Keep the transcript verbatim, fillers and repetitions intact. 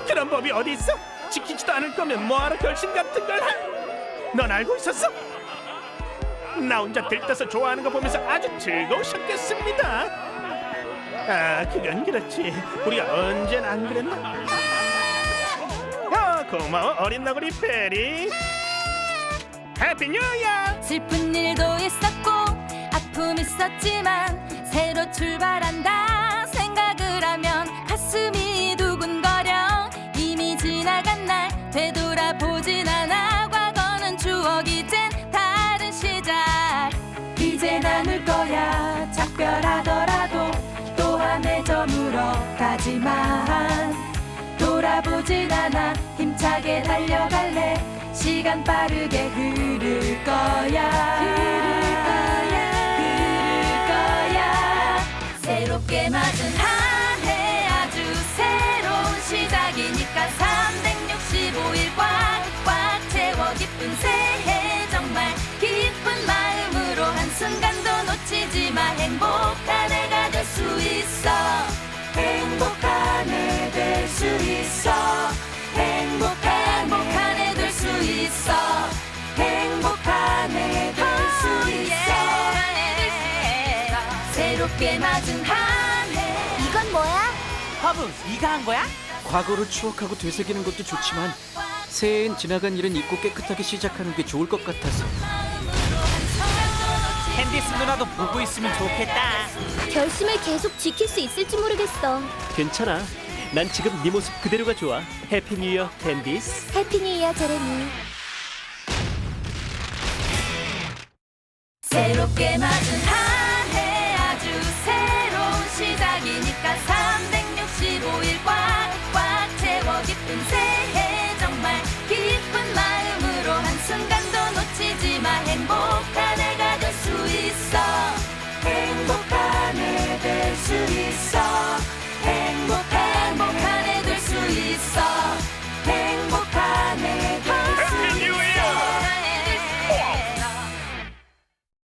그런 법이 어디 있어? 지키지도 않을 거면 뭐하러 결심 같은 걸 하? 넌 알고 있었어? 나 혼자 들떠서 좋아하는 거 보면서 아주 즐거우셨겠습니다. 아, 그건 그렇지. 우리가 언제나 안 그랬나? 어, 고마워 어린 너구리 페리. 해피 뉴 이어. 슬픈 일도 있었고 아픔 있었지만 새로 출발한다 생각을 하면 가슴이 두근거려. 이미 지나간 날 되돌아보진 않아. 과거는 추억 이젠 다른 시작. 이제 나눌 거야 작별하더라도 또한 해 저물어 가지만 돌아보진 않아. 힘차게 달려갈래. 시간 빠르게 흐를 거야. 흐를 거야. 흐를 거야. 새롭게 맞은 한 해 아주 새로운 시작이니까 삼백육십오 일 꽉꽉 채워 기쁜 새해 정말 기쁜 마음으로 한순간도 놓치지 마. 행복한 해가 될 수 있어. 행복한 해 될 수 있어. 행복한 행복한 해 될 수 있어. 행복한 해 될 수 있어. 새롭게 맞은 한 해. 이건 뭐야? 허브, 네가 한 거야? 과거를 추억하고 되새기는 것도 좋지만 새해엔 지나간 일은 잊고 깨끗하게 시작하는 게 좋을 것 같아서. 캔디스 누나도 보고 있으면 좋겠다. 결심을 계속 지킬 수 있을지 모르겠어. 괜찮아. 난 지금 네 모습 그대로가 좋아. 해피 뉴 이어 캔디스. 해피 뉴 이어 제레미. 새롭게 맞은 한 해 아주 새로운 시작이니까 삼백육십오 일 꽉꽉 채워 기쁜 새해 정말 기쁜 마음으로 한순간도 놓치지 마. 행복